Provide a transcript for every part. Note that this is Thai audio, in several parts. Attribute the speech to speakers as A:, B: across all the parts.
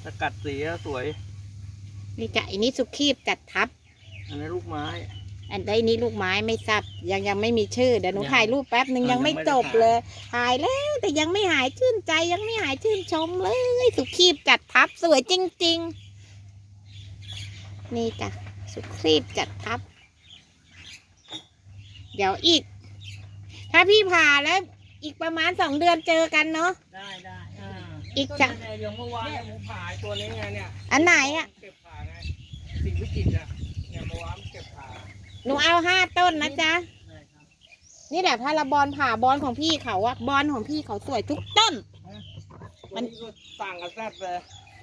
A: สกัดสีสวย
B: นี่จ้ะอันนี้สุขีบจัดทับ
A: อันนี้ลูกไม้
B: อันนี้ลูกไม้ไม่ทราบยังไม่มีชื่อเดี๋ยวหนูถ่ายรูปแป๊บหนึ่งยังไม่จบเลย ถ่ายแล้วแต่ยังไม่หายชื่นใจยังไม่หายชื่นชมเลยสุขีบจัดทับสวยจริงๆนี่จ้ะสุขีบจัดทับเดี๋ยวอีกถ้าพี่ผ่าแล้วอีกประมาณ2 เดือนเจอกันเนาะ
A: ได้
B: อีกจ้ะ
A: อย่างเมื่อวานผมผ่าตัวนี้ไงเนี่ย
B: อันไหนอ่ะ
A: เก็บผ่าไงสิ่งวิจิตรอ่ะเนี่ยเมื่อวานเก็บผ่า
B: หนูเอา5 ต้นนะจ๊ะนี่แหละถ้าเราบอลผ่าบอลของพี่เขาอะบอลของพี่เขาสวยทุกต้น
A: มันต่างกันแซ่บเลย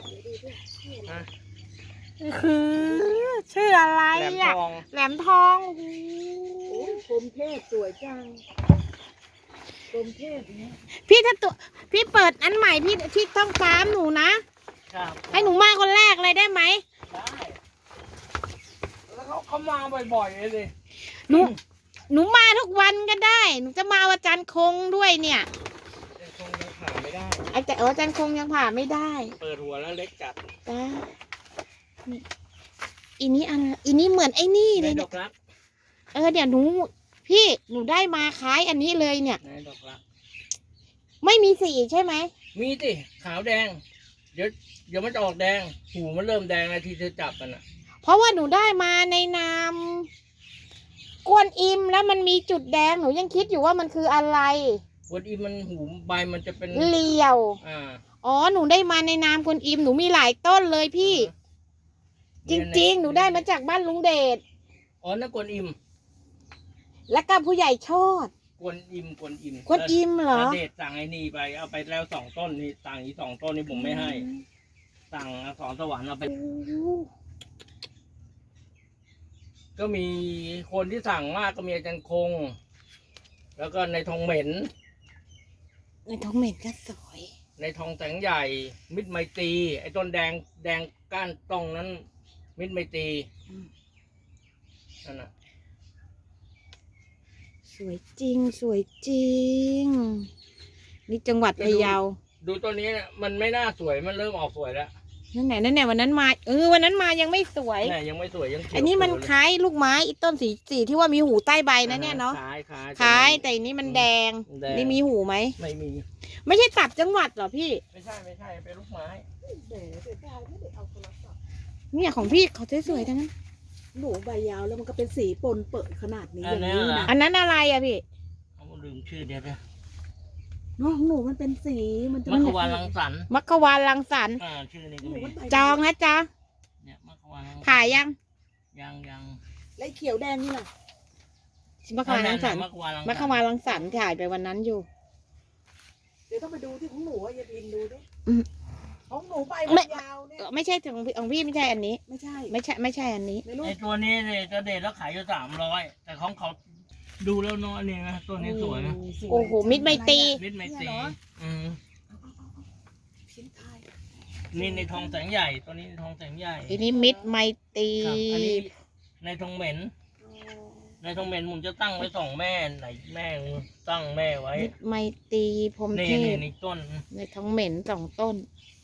B: ชื่ออะไรอะแหลมทอง
C: โอ้กรมเทพสวยจังกรมเทพนี้
B: พี่ถ้าตัวพี่เปิดอันใหม่พี่ต้องตามหนูนะให้หนูมาคนแรกเลยได้ไหม
A: ได้แล้วเขามาบ่อยๆเลย
B: หนูมาทุกวันก็ได้หนูจะมาวันจันทร์คงด้วยเนี่ย
A: คงยังผ่าไม่ได้
B: อาจารย์คงยังผ่าไม่ได้
A: เปิดหัวแล้วเล็กจัด
B: นี่อีนี้เหมือนไอ้นี่เลย
A: ดอกรัก
B: เดี๋ยวหนูได้มาคล้ายอันนี้เลยเนี่ย
A: ดอกรัก
B: ไม่มีสีใช่ไหม
A: มีสิขาวแดงเดี๋ยวมันจะออกแดงหูมันเริ่มแดงแล้วที่เธอจับมันอ่ะ
B: เพราะว่าหนูได้มาในนามกวนอิมแล้วมันมีจุดแดงหนูยังคิดอยู่ว่ามันคืออะไร
A: กวนอิมมันหูใบมันจะเป็น
B: เรียวอ๋อหนูได้มาในนามกวนอิมหนูมีหลายต้นเลยพี่จริงๆหนูได้มาจากบ้านลุงเดช
A: อ๋อนั่นกวนอิม
B: แล้วก็ผู้ใหญ่ชอด
A: กวนอิม
B: เหรอ
A: เดชสั่งไอ้นี่ไปเอาไปแล้ว2 ต้นนี่สั่งอีก2 ต้นนี่ผมไม่ให้สั่งสอนสวรรค์เอาไปก็มีคนที่สั่งมากก็มีอาจารย์คงแล้วก็ในทองเหม็น
B: ก็สวย
A: ในทองแสงใหญ่มิตรไมตรีไอ้ต้นแดงก้านตรงนั้นมิตรไมตรีนั่นน่ะ
B: สวยจริงนี่จังหวัดพะเยา
A: ดูตัวนี้มันไม่น่าสวยมันเริ่มออกสวยแล้ว
B: นั่นไหนวันนั้นมาวันนั้นมายังไม่สวย
A: ยังไม่สวยยัง
B: อันนี้มันคล้ายลูกไม้อีต้นสีที่ว่ามีหูใต้ใบนะเนี่ยเนาะคล้ายแต่อันนี้มันแดงนี่มีหูไหม
A: ไม่มี
B: ไม่ใช่ตับจังหวัดหรอพี่
A: ไม่ใช่เป็นลูกไม้
B: เนี่ยของพี่เขาสวยๆทั้งนั้น
C: หนูใบยาวแล้วมันก็เป็นสีปนเปิดขนาดนี้อย่างนี้นะ
B: อันนั้นอะไรอะพี่
A: เขาลืมชื่อเดียวเลย
C: น้องหนูมันเป็นสีมันจะ
A: มัคควานรังสรรค์ชื่อนี้ก็มี
B: จองนะจ๊ะ
A: เนี่ยมัคควาน
B: ถ่ายยัง
C: และเขียวแดงนี่แหละ
B: มัคควานรังสรรค์ถ่ายไปวันนั้นอยู่
C: เดี๋ยวต้องไปดูที่ของหนูอย่าพิมดูด้วยของหนูใบยาวเนี่ย
B: ไม่ใช่ของพี่ไม่ใช่อันนี้
C: ไม่ใช่
B: อันนี้
A: ไอตัวนี้เนี่ยจะเด็ดแล้วขายอยู่300แต่ของเขาดูแล้วน้อยนี่นะตัวนี้สวยนะ
B: โอ้โหมิตรไมตรี
A: นี่ในทองแสงใหญ่ตัวนี้ในทองแสงใหญ่
B: อันนี้มิตรไมตรี
A: อันนี้ในทองเหม็นผมจะตั้งไว้2 แม่ไหนแม่ตั้งแม่ไว้
B: มิตรไมตรีพรหมเทพ
A: ในต้น
B: ในทองเหม็น2 ต้น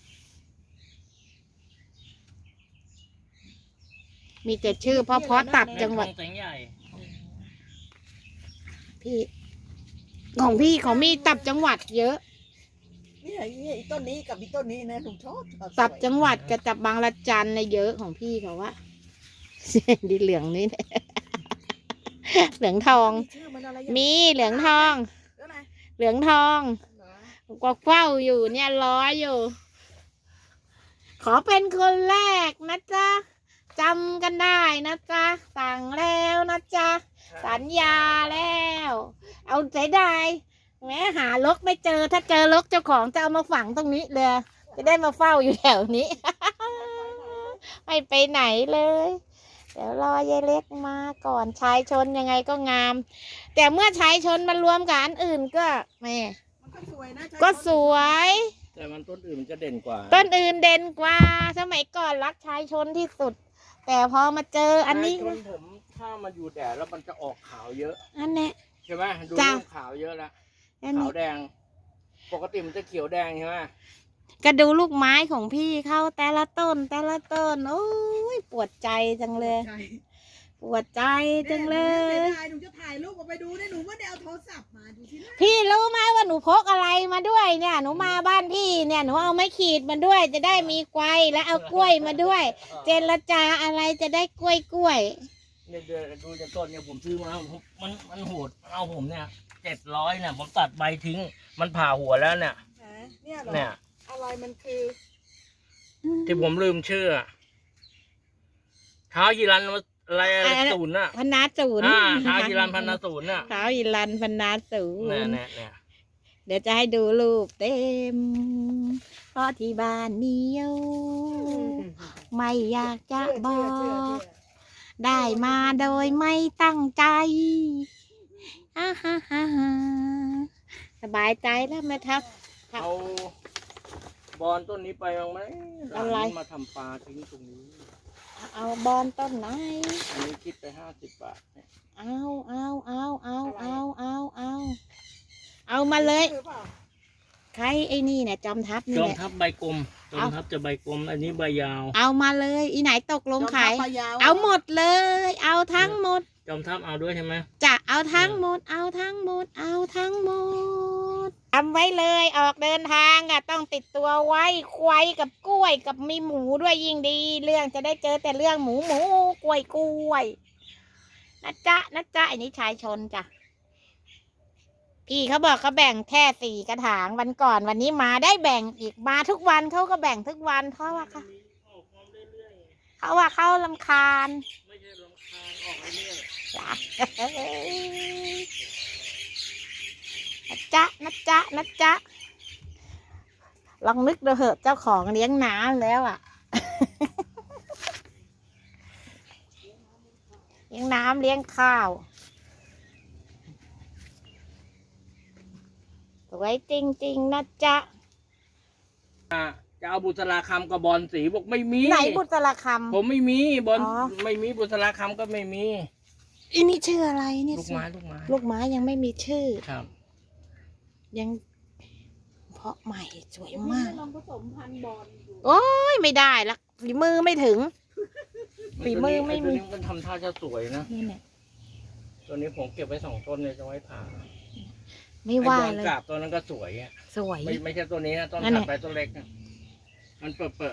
B: มีแต่ชื่อเพราะตับจังหวัดพี่ของมีตับจังหวัดเยอะ
C: นี่ต้นนี้กับต้นนี้นะผมชอบ
B: ตับจังหวัดกับตับบางละจันในเยอะของพี่เขาว่าดีเหลืองนี่เหลืองทองมีเหลืองทองกวักเฝ้าอยู่เนี่ยรออยู่ขอเป็นคนแรกนะจ๊ะจำกันได้นะจ๊ะสั่งแล้วนะจ๊ะสัญญาแล้วเอาใจได้แม้หาลกไม่เจอถ้าเจอลกเจ้าของจะเอามาฝังตรงนี้เลยจะได้มาเฝ้าอยู่แถวนี้ ไม่ไปไหนเลยเดี๋ยวรอยายเล็กมาก่อนชายชนยังไงก็งามแต่เมื่อชายชนมารวมกับอันอื่นก็แม่ก็สวย
A: แต่มันต้นอื่นมันจะเด่นกว่า
B: ต้นอื่นเด่นกว่าสมัยก่อนรักชายชนที่สุดแต่พอมาเจออันนี้
A: ผมถ้ามันอยู่แดดแล้วมันจะออกขาวเยอะ
B: อันนี้
A: ใช่ไหมดูเรื่องขาวเยอะแล้วขาวแดงปกติมันจะเขียวแดงใช่ไหม
B: ก็ดูลูกไม้ของพี่เขาแต่ละต้นแต่ละต้นโอ้ยปวดใจจังเลย
C: ใช่
B: ปวดใจจังเล
C: เสีย
B: ย
C: ดายหนูจะถ่ายรูปเอาไปดูเนี่ยหนูไม่ได้เอาโทรศัพท์มาดูสินะ
B: พี่รู้ไหมว่าหนูพกอะไรมาด้วยเนี่ย หนูมาบ้านพี่เนี่ยหนูเอาไม้ขีดมาด้วย จะได้มีไกวและเอากล้วยมาด้วย เจรจาอะไรจะได้กล้วย
A: เนี่ยเดี๋ยวดูจากต้นเนี่ยผมซื้อมามันโหดเอาผมเนี่ย700เนี่ยผมตัดใบทิ้ง มันผ่าหัวแล้วเนี่ย
C: เนี่ยเหรอ
A: เนี่ย
C: อะไรมันคือ
A: ที่ผมลืมชื่ออะเท้ายีรันอะไรศูนย์น่ะ
B: พนาศูนย์
A: เท้ายีรันพันนาศูนย์น่ะ
B: เท้าอิรันพนาศูน
A: เนี่ย
B: ย์
A: เนี่ย
B: เดี๋ยวจะให้ดูรูปเต็ม เพราะที่บ้านมีอยู่ไม่อยากจะบอก ได้มาโดยไม่ตั้งใจฮ่าฮ่าฮ่าฮ่าสบายใจแล้วไหมทัก
A: เอาบอลต้นนี้ไปบ้างไหม
B: อะไร
A: หลานมาทำปลาทิ้งตรงนี้
B: เอาบอลต้นไหน
A: อันนี้คิดไป50 บาทเนี่ย
B: เอามาเลย
C: หรือเปล่า
B: ใครไอ้นี่เนี่ยจอมทัพนี่
A: จอม
B: แหละ
A: ทัพใบกลมจอมทัพจะใบกลม อันนี้ใบยาว
B: เอามาเลยอีไหนตกลงขาย
C: จอมทัพปลายาว
B: เอาหมดเลย เอาทั้งหมด
A: จอมทัพเอาด้วยใช่ไหม
B: จะเอาทั้งหมด เอาทั้งหมด เอาทั้งหมดทำไว้เลยออกเดินทางอ่ะต้องติดตัวไว้ควายกับกล้วยกับมีหมูด้วยยิ่งดี เรื่องจะได้เจอแต่เรื่องหมูกล้วยนะจ๊ะอันนี้ชายชนจ้ะพี่เขาบอกเขาแบ่งแค่4 กระถางวันก่อนวันนี้มาได้แบ่งอีกมาทุกวันเขาก็แบ่งทุกวันเพราะว่าเขาเขารำคาญ
A: ไม่ใช่รำคาญออกเรื่อย
B: จ้ะนะจ๊ะลองนึกดูเหอะเจ้าของเลี้ยงน้ำแล้วอ่ะ เลี้ยงน้ำเลี้ยงข้าวสวยจริงๆนะจ๊ะ
A: ๆจะเอาบุษราคำกับบอลสีบอกไม่มี
B: ไหนบุตรค
A: ผมไม่มีบอล
B: อ๋อ
A: ไม่มีบุษราคำก็ไม่มี
B: ำอีนี่ชื่ออะไรเนี่ย
A: ลูกไม้
B: ลูกไม้ยังไม่มีชื่อ
A: ครับ
B: ยังเพาะใหม่สวย
C: พี่
B: มาก
C: ลองผสมพันธุ์บอลดู
B: โอ้ยไม่ได้ละฝีมือไม่ถึง ฝีมือไม่มี
A: ตัวนี้มันทำท่าจะสวยนะ
B: นี่เนี่ย
A: ตัวนี้ผมเก็บไว้2 ต้นเลยจะไว้ผ่า
B: ไม่ว่า
A: ไอ้บอล
B: เลย
A: กราบตัวนั้นก็สวยอ่ะ
B: สวย
A: ไม่ใช่ตัวนี้นะต้น
B: นั่นแห
A: ถั
B: ละ
A: ดไปต้นเล็กนะมันเปิด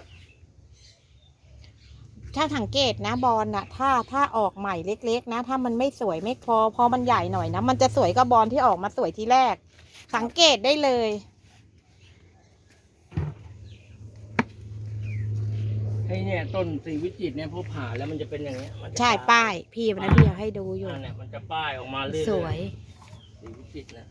B: ถ้าสังเกตนะบอลน่ะ ถ้าออกใหม่เล็กๆนะ ถ้ามันไม่สวยไม่พอมันใหญ่หน่อยนะมันจะสวยกับบอลที่ออกมาสวยทีแรก สังเกตได้เลย
A: ให้เนี่ยต้นสีวิจิตรเนี่ยพอผ่าแล้วมันจะเป็นอย่างเงี้ยมันจะ
B: ใช่ป้ายพี่วันนั้นพี่เอาให้ดูอยู่
A: เนี่ยมันจะป้ายออกมาเรื่อยๆ
B: สวย
A: สีวิจิตรนะ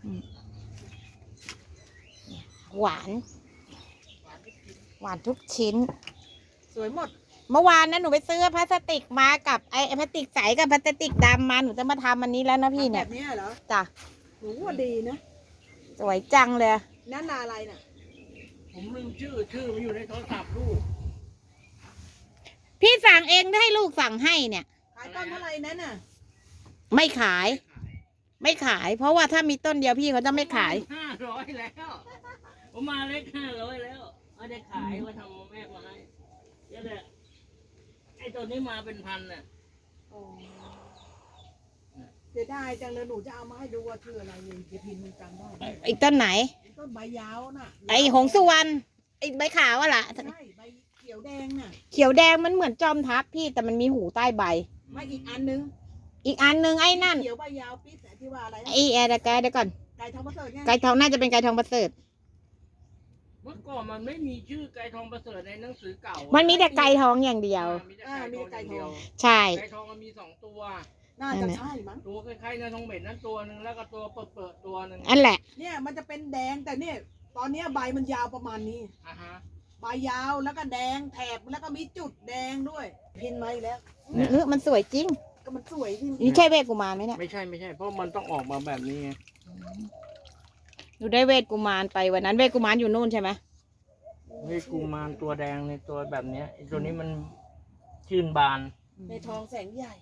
B: หวาน หวานทุกชิ้น
C: สวยหมด
B: เมื่อวานนะหนูไปซื้อพลาสติกมากับไอ้พลาสติกใสกับพลาสติกดำมาหนูจะมาทำอันนี้แล้วนะพี่
C: แบ
B: เนี่ย
C: บนี้เหรอ
B: จ้ะ
C: หนูว่าดีนะ
B: สวยจังเลย
C: นั่นนาอะไรน่ะ
A: ผมลืมชื่อมันอยู่ในโทรศัพท์ลูก
B: พี่สั่งเองได้ให้ลูกสั่งให้เนี่ย
C: ขายต้นเท่าไหร่นั่นน่ะ
B: ไม่ขาย ไม่ขาย เพราะว่าถ้ามีต้นเดียวพี่เขาจะไม่ขาย
A: 500แล้วผมมาเล็ก500แล้วไม่ได้ขายว่าทำแม่มาให้เดี๋ยวแหละไอ้ตัวนี้มาเป็นพันน่ะ
C: เสียดายจังเลยหนูจะเอามาให้ดูว่าชื่ออะไรเลยเดี๋ยวพิมพ์มันจำได้
B: อีกต้นไหน
C: ต้นใบยาวน่ะ
B: ไอ้หงสุวรรณไอ้ใบขาวอะล่ะ
C: ใช่ใบเขียวแดงน่ะ
B: เขียวแดงมันเหมือนจอมทัพพี่แต่มันมีหูใต้ใบ
C: ไม่อีกอันนึง
B: อีกอันหนึ่งไอ้นั่น
C: เขียวใบยาวปิดแต่ที่ว่าอะไรนะ
B: ไอ้แอร์แกเดี๋ยวก่อน
C: ไก่ทองประเสริฐไง
B: ไก่ทองน่าจะเป็นไก่ทองประเสริฐ
A: เมื่อก่อนมันไม่มีชื่อไก่ทองประเสริฐในหนังสือเก่า
B: มันมีแต่ไก่ทองอย่างเดียว
A: มีแต่ไก่ทองอย่างเดียว
B: ใช่
A: ไก่ทองมันมี2 ตัว
C: น่าจะใช่มั้ง
A: ตัวคล้ายๆเนื้อทองเหม็นนั่นตัวหนึ่งแล้วก็ตัวเปิดตัวหนึ่ง
B: อันแหละ
C: เนี่ยมันจะเป็นแดงแต่เนี่ยตอนเนี้ยใบมันยาวประมาณนี้
A: อ่ะฮะ
C: ใบยาวแล้วก็แดงแถบแล้วก็มีจุดแดงด้วย พินมาอีกแล้ว
B: มันสวยจริง
C: ก็มันสวยที่
B: นี่ใช่เวทกุมารไหมเนี่ย
A: ไม่ใช่เพราะมันต้องออกมาแบบนี้ไง
B: หนูได้เวทกุมารไปวันนั้นเวทกุมารอยู่นู่นใช่ไหม
A: เฮ้ยกูมารตัวแดงในตัวแบบเนี้ยไอ้ตัวนี้มันชื่นบาน
C: ในทองแสงใหญ่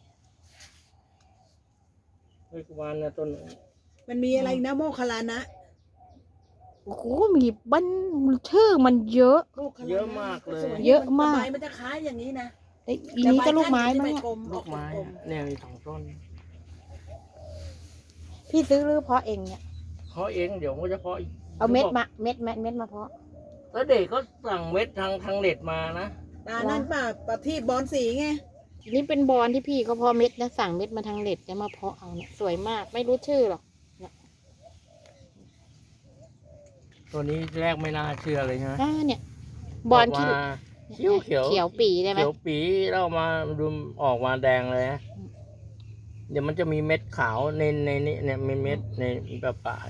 A: เฮ้ยกูมารเนี่ยต้น
C: มันมีอะไรอีกนะโมคคลลานะ
B: โอ้โหมีบ้านชื่อมันเยอะ
C: ลูกขนาดนั้น
A: เยอะมากเลย
C: สว
B: เยอะมาก
C: ใบมันจะคล้ายอย่างนี้นะ
B: ไอ้อีนี้ก็ลูกไม้
C: แต่
B: มั้
C: ใบ
B: ง
C: ก้าน
B: อะ
C: จะไม่กลม
A: ลูกไม้
C: ออ
A: อะเนี่ยมี2 ต้น
B: พี่ซื้อหรือเพาะเองเนี่ย
A: เพาะเองเดี๋ยวก็จะเพาะอีก
B: เอาเม็ดมาเม็ดมาเพาะ
A: แล้วเด็กก็สั่งเม็ดทางเน็ตมานะ
C: นั่นป่ะปะที่บอลสีไง
B: นี่เป็นบอลที่พี่เขาเพาะเม็ดนะสั่งเม็ดมาทางเน็ตจะมาเพาะเอาเนี่ยสวยมากไม่รู้ชื่อหรอก
A: ตัวนี้แรกไม่น่าเชื่อเลยใช่ไหม
B: เนี่ยบอลที่
A: กมาเขียวเขียว
B: เขียวปีได้ไหม
A: เขียวปีแล้วมาดูออกมาแดงเลยนะเดี๋ยวมันจะมีเม็ดขาวในนี้เนี่ยมีเม็ดในปลาย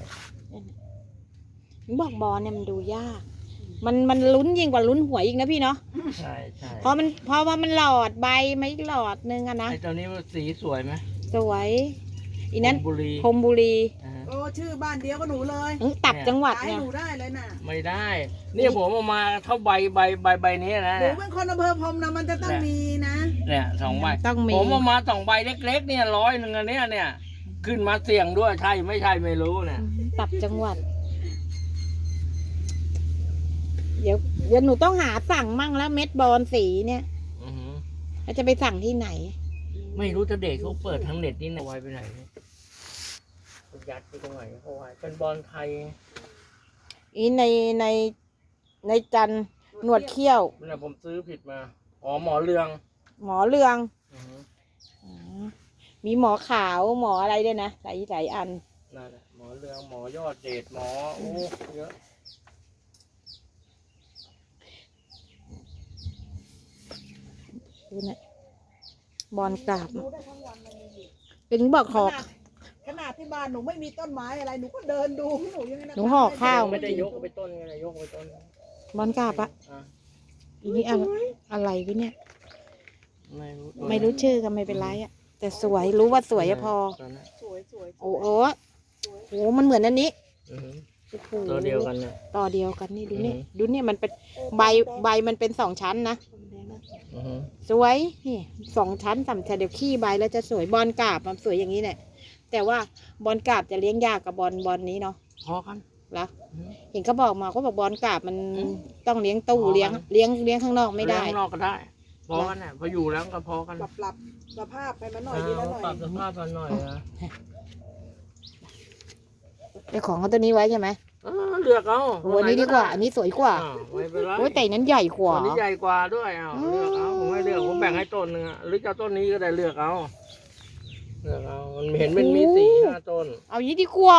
B: บอกบอลเนี่ยมันดูยาก มันลุ้นยิ่งกว่าลุ้นหวยอีกนะพี่เนาะ
A: ใช่ใช่
B: เพราะว่ามันหลอดใบไม่หลอดนึงอะนะ
A: ไอตัวนี้มันสีสวยไหม
B: สวยอีนั้น
A: บุรี
B: พรหมบุรี
C: โอ้ชื่อบ้านเดียวกับหนูเลย
B: ตัดจังหวัด
C: ขาย
B: เนี่ย
C: หนูได้เลยน่ะ
A: ไม่ได้เนี่ยผมเอามาเท่าใบนี้นะ
C: หนูเป็นคนอำเภอพรมนะมันจะต้องมีนะ
A: เนี่ย2 ใบ
B: ต้องมี
A: ผมเอามา2 ใบเล็กๆเนี่ย100อันเนี่ยขึ้นมาเสี่ยงด้วยใช่ไม่ใช่ไม่รู้เนี่ย
B: ตัดจังหวัด เดี๋ยวหนูต้องหาสั่งมั่งแล้วเม็ดบอลสีเนี่ย
A: อือหือ
B: แล้วจะไปสั่งที่ไหน
A: ไม่รู้จะเด็กเขาเปิดทางเน็ตนี่นะไว้ไปไหนยัดไปตรงไหนเขาไว้เป็นบอลไทย
B: อีในจันทร์หนวดเขี้ยว
A: เนี่ยผมซื้อผิดมาอ๋อหมอเรือง
B: หมอเรือง
A: อือหือ
B: มีหมอขาวหมออะไรด้วยนะหลายอัน
A: นั่นแหละหมอเรืองหมอยอดเดชหมอโอ้เยอะ
B: ดูนะบอลกราบ
C: ดูได้ทั้งวันเลย
B: เป็นบอกหอก
C: ขนาดที่บ้านหนูไม่มีต้นไม้อะไรหนูก็เดินดูหนูยังไงนะ
B: หนูห่อข้าว
A: ไม่ได้ยกไปต้นไงยกไปต้น
B: บอลกราบอะ
A: อ่ะ
B: อีนี่อะไรวะเนี่ย
A: ไม่รู้
B: ไม่รู้ชื่อก็ไม่เป็นไรอะแต่สวยรู้ว่าสวยอะพอ
A: ตัวนั้น
C: สวยสวย
B: โอ้โหโหมันเหมือนอันนี้
A: อือหือ
B: โอ้โห
A: ตัวเดียวกันเนี่ย
B: ต่อเดียวกันนี่ดูนี่
A: อือหือ
B: ดูนี่มันเป็นใบมันเป็น2 ชั้นนะ
A: อือหือ
B: สวยนี่2 ชั้น3 ชั้นเดี๋ยวขี้ใบแล้วจะสวยบอลกราบมันสวยอย่างนี้แหละแต่ว่าบอลกราบจะเลี้ยงยากกับบอลนี้เนาะ
A: พอกัน
B: เหรอ
A: อือหือ
B: เห็นเขาบอกมาเขาบอกบอลกราบมัน
A: อืม
B: ต้องเลี้ยงตู้
A: อ๋อ
B: เลี้ยงข้างนอกไม่ได้
A: เลี้ยงข้างนอกก็ได้พอกันเนี่ยพออยู่แล้วก็พอกัน
C: ปรับสภาพไปมันหน่อยดีแล้วหน่อย
A: ปรับสภาพกันหน่อยนะ
B: เจ้าของเขาตัวนี้ไว้ใช่ไหม
A: เลือกเอา
B: โอ้อันนี้ดีกว่า อันนี้สวยกว่า
A: ไม่เป็นไร
B: โอ้ยแต่นั้นใหญ่กว่า
A: ต้นนี้ใหญ่กว่าด้วยเลือกเอาผมไม่เลือกผมแบ่งให้ต้นนึงหรือจะต้นนี้ก็ได้เลือกเอามันเห็นมันมี4-5 ต้น
B: เอานี้ดีกว่า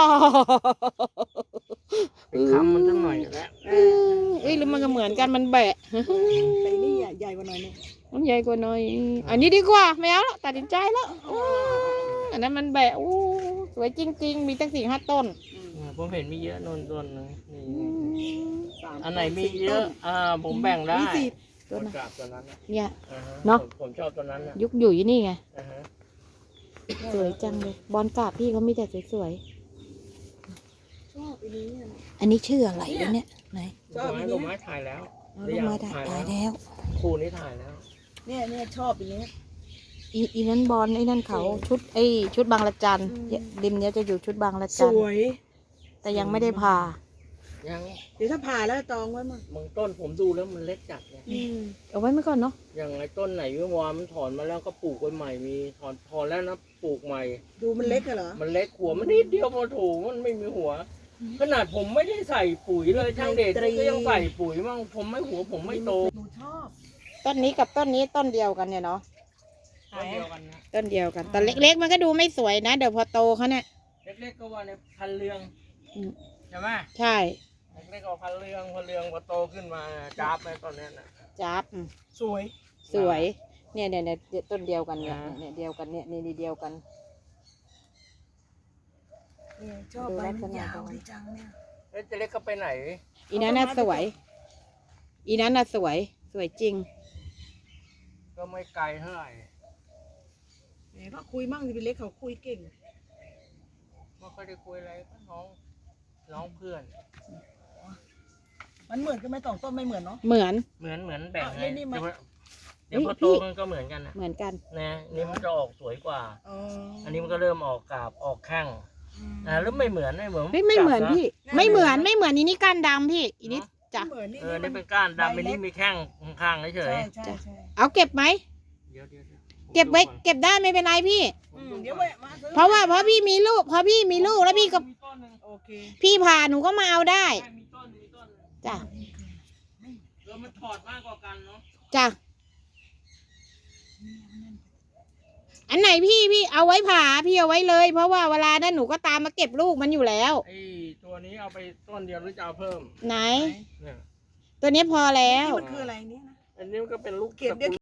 A: ไปค้ำมันสักหน่อยแล้ว
B: เอ้ยหรือมันก็เหมือนกันมันแบะ
C: แต่นี่ใหญ่กว่าหน่อยนึง
B: มันใหญ่กว่าหน่อย อันนี้ดีกว่าไม่เอาแล้วตัดสินใจแล้วอันนั้นมันแบะสวยจริง ๆ มีตั้ง4-5 ต้น
A: ผมเห็นมีเยอะต้นนึง
C: 3
A: อันไหนมีเยอะผมแบ่งได้
C: มีสี่
A: ต้นกราบตัวนั้น
B: เนี่ย
A: อ่าฮ
B: เนอะ
A: ผมชอบตัวนั้นนะ
B: ยุกอยู่ที่นี่ไง
A: อ่าฮะ
B: สวยจังเลย บอลกราบพี่เขามีแต่สวย
C: ชอบอันนี้เนี่ย
B: ๆ อันนี้ชื่ออะไรวะเนี่ยไหน
A: ลูกไม้ถ่ายแล้ว
B: เอาลูกมาถ่ายแล้ว
A: คู่นี้ถ่ายแล้ว
C: เนี่ยชอบอันนี้
B: อีนั้นบอลไอ้นั่นเขาชุดบางละจัน
C: อืม
B: ริมเนี้ยจะอยู่ชุดบางละ
C: ส
B: จัน
C: วย
B: แต่ยังไม่ได้ผ่า
A: ยัง
C: เดี๋ยวถ้าผ่าแล้วจองไว้มั้ง
A: บางต้นผมดูแล้วมันเล็กจัดเนี่ย
B: เอาไว้ไม่ก่อนเนาะ
A: อย่างไอ้ต้นไหนวิวามันถอนมาแล้วก็ปลูกไว้ใหม่มีถอนแล้วนะปลูกใหม่
C: ดูมันเล็กอะเหรอ
A: มันเล็กหัวมันนิดเดียวพอถูกมันไม่มีหัว ขนาดผมไม่ได้ใส่ปุ๋ยเลยช่างเดชก็ยังใส่ปุ๋ยมั่งผมไม่หัวผมไม่โต
C: หนูชอบ
B: ต้นนี้กับต้นนี้ต้นเดียวกันเนี่ยเนาะ
A: ต้นเดียวกันนะ
B: ต้นเดียวกันแต่เล็กๆมันก็ดูไม่สวยนะเดี๋ยวพอโตเขาเนี่ย
A: เล็กๆก็ว่าในพันเรือง
B: อืม
A: ใช่ไหม
B: ใช่
A: เล็กๆก็พันเรืองพอโตขึ้นมาจ้าบไปตอนนี้นะ
B: จับ
C: สวย
B: สวย เนี่ยต้นเดียวกันเนี่ยเดียวกันเนี่ยนี่เดียวกัน
C: ชอบใบมันยาวดีจังเนี่ย
A: แล้วจะเล็กก็ไปไหน
B: อีนั้นน่ะสวย อีนั้นน่ะสวยจริง
A: ก็ไม่ไกลเท่าไหร่
C: แหมก็คุยมั่งสิเป็นเล็กเขาคุยเก่ง
A: ไม่ค่อยได้คุยอะไรก็น้องเพื่อน
C: มันเหมือนกันไหมสองต้นไม่เหมือนเนาะ
B: เหมือน
A: เหมือนแบ่ง
C: อ่ะ
A: ให้
C: นี่มัน
A: เดี๋ยวพอโตมันก็เหมือนกันนะ
B: เหมือนกัน
A: นะนี่มันจะออกสวยกว่า
C: อ๋อ
A: อันนี้มันก็เริ่มออกกาบออกแข้งหรือไม่เหมือน
B: เฮ้ยไม่เหมือนพี่ ไม่เหมือนอีนี่ก้านดำพี่อีนี่จ้ะ
C: เหมือนนี่
A: นี่เป็นก้านดำอันนี้มีแข้งข้างๆเฉย
C: ใช่
B: เอาเก็บไหม
A: ๆเดี๋ยว
B: เก็บไว้เก็บได้ไม่เป็นไรพี่
C: เดี๋ยวแวะมาซื้อ
B: เพราะพี่มีลูกแล้วพี่ก็
A: มีต้นหนึ่ง
C: โอเค
B: พี่ผ่าหนูก็มาเอาได้
A: มีต้นหนึ่ง
B: จ้ะ
A: มันถอดมากกว่ากันเนาะ
B: จ้ะอันไหนพี่เอาไว้ผ่าพี่เอาไว้เลย เพราะว่าเวลานั้นหนูก็ตามมาเก็บลูกมันอยู่แล้ว
A: ไอ้ตัวนี้เอาไปต้นเดียวหรือจะเอาเพิ่ม
B: ไหน
A: เนี่ย
B: ตัวนี้พอแล้ว
C: มันคืออะไรเนี่ยนะ
A: อันนี้มันก็เป็นลูก
C: เก็บเดี๋ยว